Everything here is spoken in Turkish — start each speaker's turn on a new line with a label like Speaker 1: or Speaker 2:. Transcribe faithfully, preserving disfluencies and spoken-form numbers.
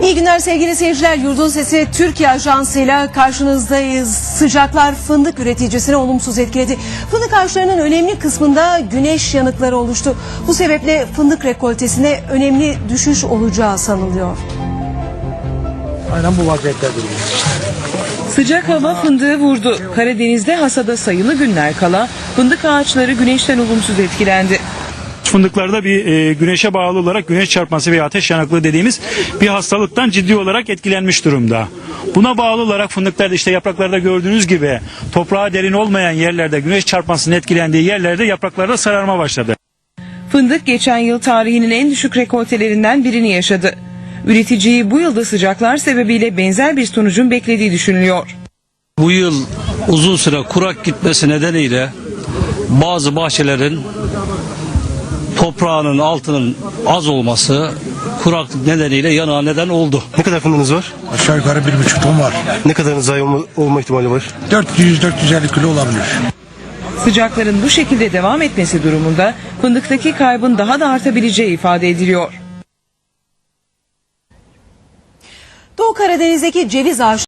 Speaker 1: İyi günler sevgili seyirciler. Yurdun Sesi Türkiye Ajansı'yla karşınızdayız. Sıcaklar fındık üreticisini olumsuz etkiledi. Fındık ağaçlarının önemli kısmında güneş yanıkları oluştu. Bu sebeple fındık rekoltesine önemli düşüş olacağı sanılıyor.
Speaker 2: Aynen bu vaziyette duruyor.
Speaker 3: Sıcak hava fındığı vurdu. Karadeniz'de hasada sayılı günler kala fındık ağaçları güneşten olumsuz etkilendi.
Speaker 4: Fındıklarda bir e, güneşe bağlı olarak güneş çarpması veya ateş yanıklığı dediğimiz bir hastalıktan ciddi olarak etkilenmiş durumda. Buna bağlı olarak fındıklarda işte yapraklarda gördüğünüz gibi toprağa derin olmayan yerlerde güneş çarpmasının etkilendiği yerlerde yapraklarda sararma başladı.
Speaker 3: Fındık geçen yıl tarihinin en düşük rekoltelerinden birini yaşadı. Üreticiyi bu yılda sıcaklar sebebiyle benzer bir sonucun beklediği düşünülüyor.
Speaker 5: Bu yıl uzun süre kurak gitmesi nedeniyle bazı bahçelerin toprağının altının az olması kuraklık nedeniyle yanığa neden oldu.
Speaker 6: Ne kadar fındığınız var?
Speaker 2: Aşağı yukarı bir buçuk ton var.
Speaker 6: Ne kadar zayi olma, olma ihtimali var?
Speaker 2: dört yüz dört yüz elli kilo olabilir.
Speaker 3: Sıcakların bu şekilde devam etmesi durumunda fındıktaki kaybın daha da artabileceği ifade ediliyor.
Speaker 1: Doğu Karadeniz'deki ceviz ağaçları